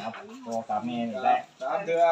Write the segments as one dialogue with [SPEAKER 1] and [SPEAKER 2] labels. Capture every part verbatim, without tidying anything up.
[SPEAKER 1] ครับพ่อกับแม่นี่แหละ
[SPEAKER 2] สามเดือ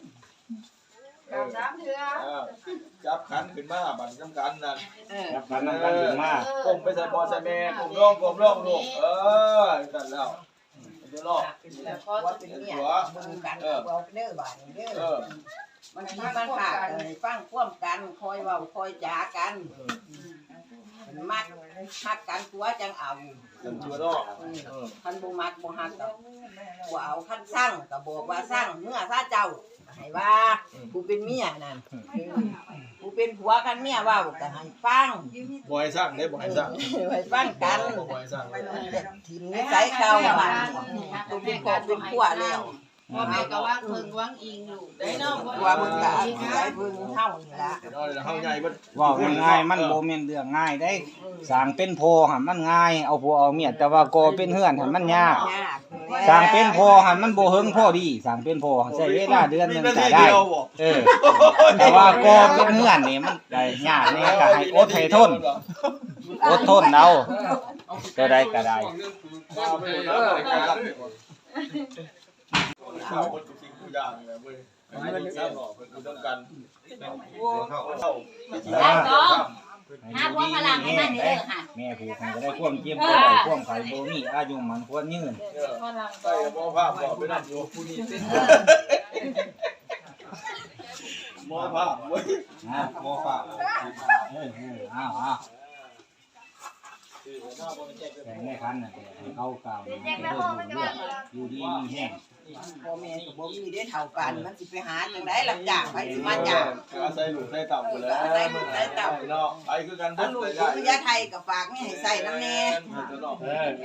[SPEAKER 3] สามเดือ
[SPEAKER 2] จับขันขึ้นมาบันกำกันนั่น
[SPEAKER 1] จับขันน้ำกันขึ้นมา
[SPEAKER 2] ก้มไปใส่พ่อใส่แม่ก้มร่องก้มร่องลูกเออกันแล้วเดี๋ยวรอว่าเป็นหัวมือกันเอาเด้อบ่ายเด้อ
[SPEAKER 3] มันมีปัญหาเลยฟังควมกันคอยเว้าคอยจากันมักฮักกันตัวจังเอา
[SPEAKER 2] กันตัวรอ
[SPEAKER 3] คันบ่มักบ่ฮักก็บ่เอาคันสร้างก็บอกว่าสร้างเมื่อซาเจ้าให้ว่าผู้เป็นเมียนั่นผู้เป็นผัวกันเมียเว้าก็ให้ฟัง
[SPEAKER 2] บ่ให้สร้างได้บ่ให้สร้าง
[SPEAKER 3] ให้ฟังกัน
[SPEAKER 2] บ่ให้สร้าง
[SPEAKER 3] ทีนิสัยเก่าบ้านผู้เป็นครอบเป็นครัวแล้ว
[SPEAKER 4] พ่อแม่ก็ว่างเพิ่งว่างอิงลูกได้เนาะ
[SPEAKER 3] ว่ามึงก็ได้เพิ่งเฮานี่ล่ะ
[SPEAKER 2] เฮาใหญ่บ่
[SPEAKER 1] ว่าง่ายมันบ่แม่นเรื่องง่ายได้สร้างเป็นพ่อหั่นมันง่ายเอาผัวเอาเมียแต่ว่าก่อเป็นเฮือนหั่นมันยากสร้างเป็นพ่อหั่นมันบ่เฮิงพอดีสร้างเป็นพ่อใช้เวลาเดือนนึงก็ได้เออแต่ว่าก่อเป็นเฮือนนี่มันได้ยากนี่ก็ให้อดให้ทนอดทนเอาก็ได้ก็ได้
[SPEAKER 2] ข้าวคนทุกสิ่งทุกอย่างเลยเว้ยไม่ได้ทราบหรอกเพิ่นคือต้องกันเข้าเข้า
[SPEAKER 4] ได้ก็หาพวกพลังให้มันเด้อค่ะ
[SPEAKER 1] แม่ผู้คนจะได้ความเจ็บบ่ได้ความไข้บ่มีอายุมันควรยืน
[SPEAKER 2] ใส่บ่ภาพบ่ไปนั่นอยู่ผู้นี้สิหมอภาพเว้ย
[SPEAKER 1] ฮะหมอภาพเออๆอ้าวๆแต่แม่คันน่ะให้เขากล่าวอยู่ดีมีแห้ง
[SPEAKER 3] พ่อแม่ก็บ่มีได้เท่ากันมันสิไปหาจังได๋รับจ้างไปสิมาจ้าง
[SPEAKER 2] อาศัยลูกใส่เต่าพุ่นแหละ
[SPEAKER 3] อาศัยลูกใส่เต่า
[SPEAKER 2] เนาะไปคือกันเบิด
[SPEAKER 3] ลูกคือยาไทยก็ฝากแม่ให้ใส่นำแน่
[SPEAKER 2] เออ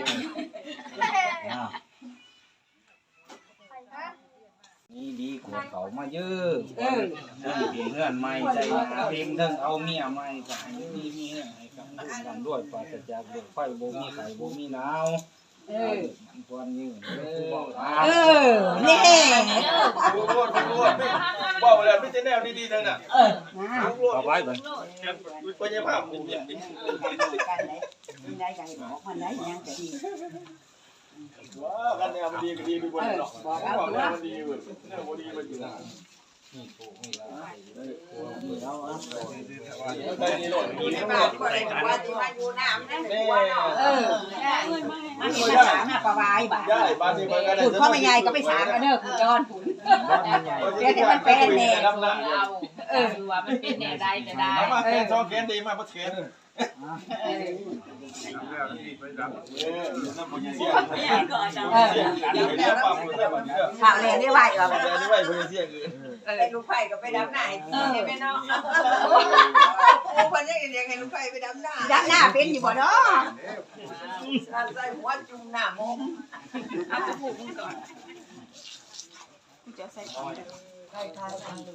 [SPEAKER 1] นี่ดีกว่าเขามาเยอะเออเพียงเงื่อนใหม่ใจเพลงเทิงเอาเมียใหม่ก็ให้มีมีให้กับกันด้วยปราศจากโรคไฟบ่มีไข้บ่มีหนาวเออมันควรยืนเออ
[SPEAKER 3] เออนี่
[SPEAKER 2] รู้รู้รู้บอกแล้วไม่ใช่แนวดีๆนั่นน่ะเออ
[SPEAKER 1] เอาไว้ก่อน
[SPEAKER 2] บ่ใช่ภาพกูเนี่ย
[SPEAKER 3] กันไหนได้ได้บอกมันได้ยังจะดี
[SPEAKER 2] ว้ากันแนวมันดีก็ดีไปบ่ได้หรอกบอกเอาแนวมันดีเว้ยแนวบ่ดีมันอยู่นะนี่ถูกนี่แล้วได้นี่โหลดมีในบ้าน
[SPEAKER 3] บ่ได้ว่าสิมาอยู่น้ำนั่นตัวเนาะเออมันมีภาษาหน้าประวายบ่
[SPEAKER 2] ได้บ้านนี้มันก็ได้
[SPEAKER 3] พูดพ่อแม่ใหญ่ก็ไปสางกันเด้อคุณจอนพูดเดี๋ยวให้มันเป็นแน่
[SPEAKER 4] เออว่ามันเป็นแน่ได้ก็ได้
[SPEAKER 2] มาแค่สองแขนดีมาบ่แขน
[SPEAKER 3] ข่าวเนี่ยได้ไหวเหรอ
[SPEAKER 2] ได้ไหวคนเสียงอื่น
[SPEAKER 3] ไอ้ลูกไผ่ก็ไปดำหน้าเห็นไหมเนาะคนนี้เรียกให้ลูกไผ่ไปดำหน้าดำหน้าเป็นอยู่บ่เนาะใส่หัวจุ่มหน้ามงเอาจะผูกมึงก่อนกูจะใส่ก่อนใส่ทายทางดู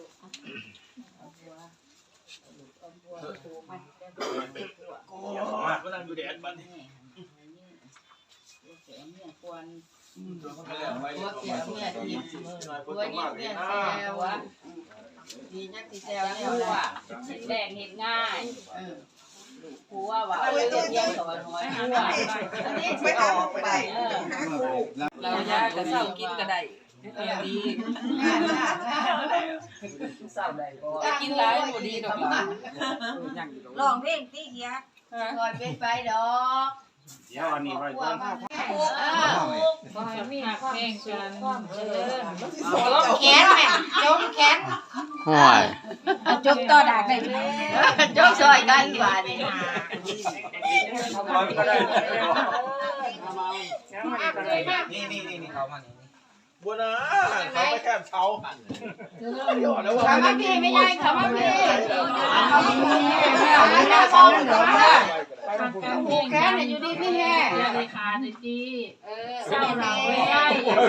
[SPEAKER 2] กูมาก็นั่งอยู่แดดบัดนี้
[SPEAKER 4] เสียเมียควรตัวเสียเมียทีตัวยิ่งเมียแซววะดีนักที่แซวแล้วว่าแดงเห็นง่ายผัวว่าเอาเยี่ยมสอนน้อยผัว
[SPEAKER 3] ไปออกไป
[SPEAKER 4] เราอยากจะเศร้ากินก็ได้ดีกินหลายบ่ดีดอก
[SPEAKER 3] ลองเพลงตีเฮีย
[SPEAKER 4] ก่อนเป็นไปดอก
[SPEAKER 1] เดี๋ยวอันนี้ไว้ก่อน
[SPEAKER 4] บ่ให้มีความแข่งกันความเจริญจมแขนแม่จมแขน
[SPEAKER 5] ห่วย
[SPEAKER 3] จมต่อดากได้
[SPEAKER 4] จมซอยกันว่านี่
[SPEAKER 1] นี่นี่นี่เขามานี่
[SPEAKER 2] บัวนะเขาไปแคบเช้า
[SPEAKER 4] เขามาพี่ไม่ใช่เขามาพี่เขามาพี่ไม่ได้เขาเหนือมาผูกแขนอยู่ดีพี่แห่ราคาดีจีเออเศร้าเราไม่ได้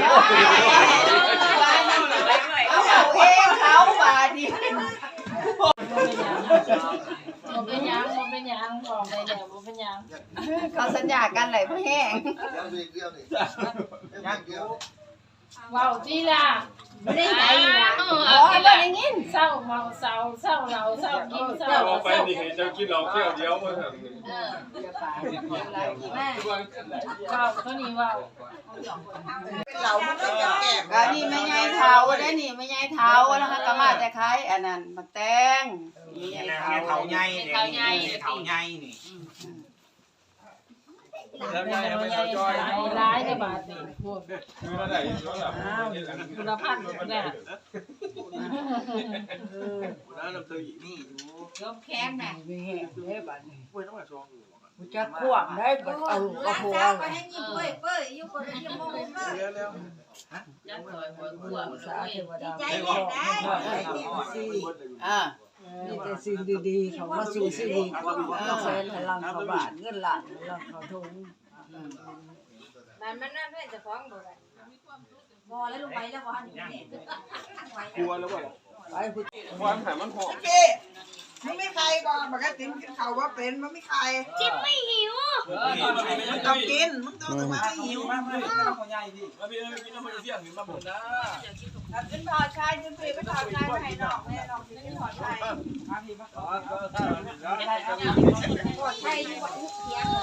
[SPEAKER 4] เอาเขาเองเขาว่าดีมันเป็นยังมันเป็นยังบอกได้แล้วมันเป็นยังเขาสัญญากันไหลพ่อแห้งว้าวจีล่ะไม่ได้ไปละอ๋อไม่ได้ยินเศร้าเมาเศร้าเศร้าเราเศร้ากินเศร้า
[SPEAKER 2] เราไปนี่เจ้ากินเราเที่ยวเดียวมาถึง
[SPEAKER 4] เออเดี๋ยวไปเดี๋ยวอะไรแม่ว้าวเท่านี้ว้าว
[SPEAKER 3] เราไม่ต้องแก้ม
[SPEAKER 4] ก็นี่ไม่ใหญ่เท้าได้นี่ไม่ใหญ่เท้าแล้วก็มาแต่ขายอันนั้นมาแตงไม่ใหญ่เท้า
[SPEAKER 1] เถาใหญ่เถาใหญ่เถาใหญ่นี่
[SPEAKER 2] แล้วยายไม่เอาจอย
[SPEAKER 5] ร้ายในบาทนี่พวก
[SPEAKER 2] มีมาได้ย้อนหลัง
[SPEAKER 5] คุณภาพเนี่ย
[SPEAKER 2] น้าน้ำเตยนี่อยู่
[SPEAKER 4] ยกแข้งน่ะ
[SPEAKER 3] มีแห้งเด้บัดนี้
[SPEAKER 2] เว้ยต้องมาชองอยู่
[SPEAKER 3] กูจะควบได้บัดเอากระโปรง
[SPEAKER 6] ไปให้ยิ้มเป้ยเป้ยอยู่คนยิ้มมองเลย
[SPEAKER 2] เร็วเร็ว
[SPEAKER 4] ยัดซอยหัวหัว
[SPEAKER 3] สาเทวดา
[SPEAKER 6] ใจ
[SPEAKER 3] ขอ
[SPEAKER 6] เย็น
[SPEAKER 3] ให้
[SPEAKER 6] ได้
[SPEAKER 3] ขอให้สิ
[SPEAKER 4] อ่า
[SPEAKER 3] มีแต่สิ่งดีๆเขามาสู่ชีวิตกาแฟพลังเขาบาทเงินหลานพลังเขาทุง
[SPEAKER 6] มันมันนั่นด้วยจะฟ้องบ่ได้บ่แล้วลงไปแล้วบ่หันนี่
[SPEAKER 2] กลัวแล้วบ่
[SPEAKER 3] ไปคุณ
[SPEAKER 2] ความแข็งมันหอม
[SPEAKER 3] พี่มันไม่ใครก่อนมันก็ติ้มกินเขาว่าเป็นมันไม่ใคร
[SPEAKER 6] จิ้มไม่หิว
[SPEAKER 3] มึงต้องกินมึงต้องมาไม่หิว
[SPEAKER 2] มาพี่มาพี่น้ำมันเสี่ยงหินมาหมดนะ
[SPEAKER 3] ขึ้นถอดชายขึ้นพี่ไปถอดชายไปให้น้องแม่น้องขึ้นถอดชาย
[SPEAKER 6] ใช่อยู่บ่เถียง